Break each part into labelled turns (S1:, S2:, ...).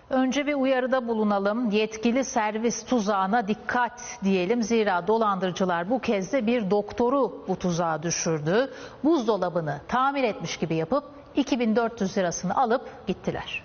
S1: Önce bir uyarıda bulunalım. Yetkili servis tuzağına dikkat diyelim. Zira dolandırıcılar bu kez de bir doktoru bu tuzağa düşürdü. Buzdolabını tamir etmiş gibi yapıp 2400 lirasını alıp gittiler.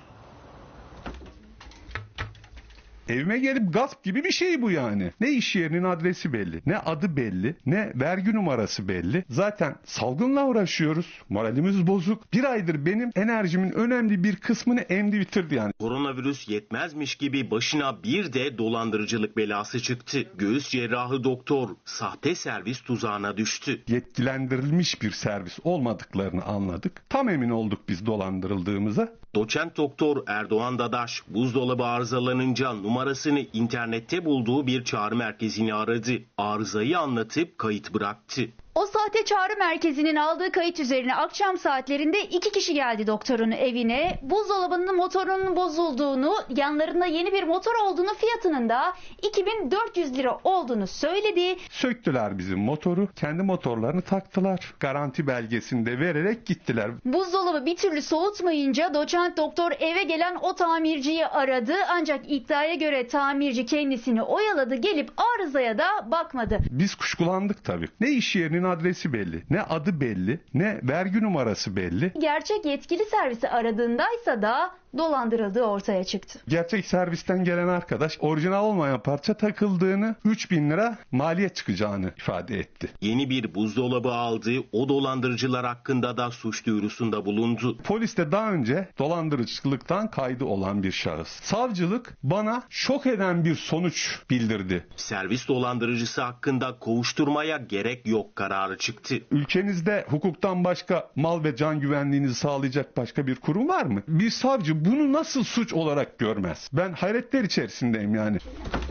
S2: Evime gelip gasp gibi bir şey bu yani. Ne iş yerinin adresi belli, ne adı belli, ne vergi numarası belli. Zaten salgınla uğraşıyoruz. Moralimiz bozuk. Bir aydır benim enerjimin önemli bir kısmını emdi bitirdi yani.
S3: Koronavirüs yetmezmiş gibi başına bir de dolandırıcılık belası çıktı. Göğüs cerrahı doktor sahte servis tuzağına düştü.
S2: Yetkilendirilmiş bir servis olmadıklarını anladık. Tam emin olduk biz dolandırıldığımıza.
S3: Doçent doktor Erdoğan Dadaş buzdolabı arızalanınca numarasını internette bulduğu bir çağrı merkezini aradı. Arızayı anlatıp kayıt bıraktı.
S4: O sahte çağrı merkezinin aldığı kayıt üzerine akşam saatlerinde 2 kişi geldi doktorun evine. Buzdolabının motorunun bozulduğunu, yanlarında yeni bir motor olduğunu, fiyatının da 2400 lira olduğunu söyledi.
S2: Söktüler bizim motoru, kendi motorlarını taktılar. Garanti belgesini de vererek gittiler.
S4: Buzdolabı bir türlü soğutmayınca doçent doktor eve gelen o tamirciyi aradı. Ancak iddiaya göre tamirci kendisini oyaladı, gelip arızaya da bakmadı.
S2: Biz kuşkulandık tabii. Ne iş yerinin adresi belli, ne adı belli, ne vergi numarası belli.
S4: Gerçek yetkili servisi aradığındaysa da dolandırıldığı ortaya çıktı.
S2: Gerçek servisten gelen arkadaş orijinal olmayan parça takıldığını, 3000 lira maliyet çıkacağını ifade etti.
S3: Yeni bir buzdolabı aldı, o dolandırıcılar hakkında da suç duyurusunda bulundu.
S2: Polis de daha önce dolandırıcılıktan kaydı olan bir şahıs. Savcılık bana şok eden bir sonuç bildirdi.
S3: Servis dolandırıcısı hakkında kovuşturmaya gerek yok kararı çıktı.
S2: Ülkenizde hukuktan başka mal ve can güvenliğinizi sağlayacak başka bir kurum var mı? Bir savcı bunu nasıl suç olarak görmez? Ben hayretler içerisindeyim yani.